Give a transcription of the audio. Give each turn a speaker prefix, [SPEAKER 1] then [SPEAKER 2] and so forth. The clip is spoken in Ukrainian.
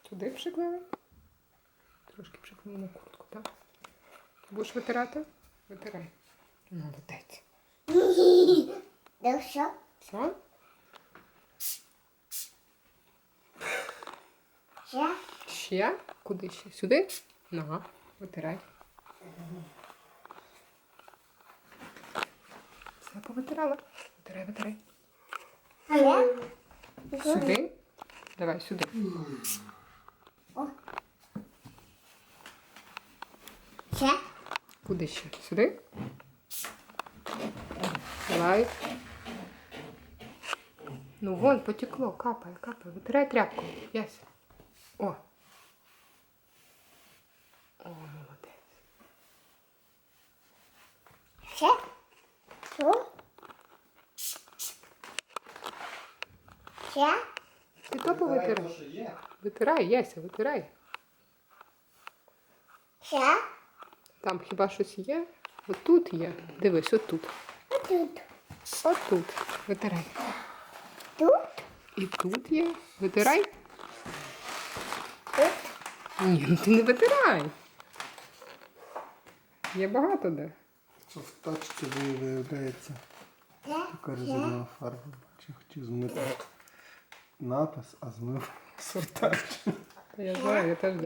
[SPEAKER 1] Сюди приклеїмо. Трошки приклеїмо куртку, так? Ти будеш витирати? Витирай. Молодець.
[SPEAKER 2] Ну що?
[SPEAKER 1] Все?
[SPEAKER 2] Ще?
[SPEAKER 1] Ще? Куди ще? Сюди? На, витирай. Все, повитирала. Витирай, витирай.
[SPEAKER 2] Ще?
[SPEAKER 1] Сюди? Давай, сюди.
[SPEAKER 2] О. Ще?
[SPEAKER 1] Куди ще? Сюди? Давай. Ну, вон, потекло, капає, капає. Витирай тряпку. Яся. О. О, молодець.
[SPEAKER 2] Ще? Що? Ще?
[SPEAKER 1] Ти то повитирай. Витирай, Яся, витирай.
[SPEAKER 2] Ще?
[SPEAKER 1] Там хіба щось є? Отут є. Дивись, отут.
[SPEAKER 2] Отут.
[SPEAKER 1] Отут. Витирай.
[SPEAKER 2] Тут?
[SPEAKER 1] І тут є. Витирай.
[SPEAKER 2] Тут?
[SPEAKER 1] Ні, ну ти не витирай. Є багато де.
[SPEAKER 3] Що в тачці виявляється така резинова фарба. Бачу, хотів змити напис, а змив сортач.
[SPEAKER 1] Я знаю, я теж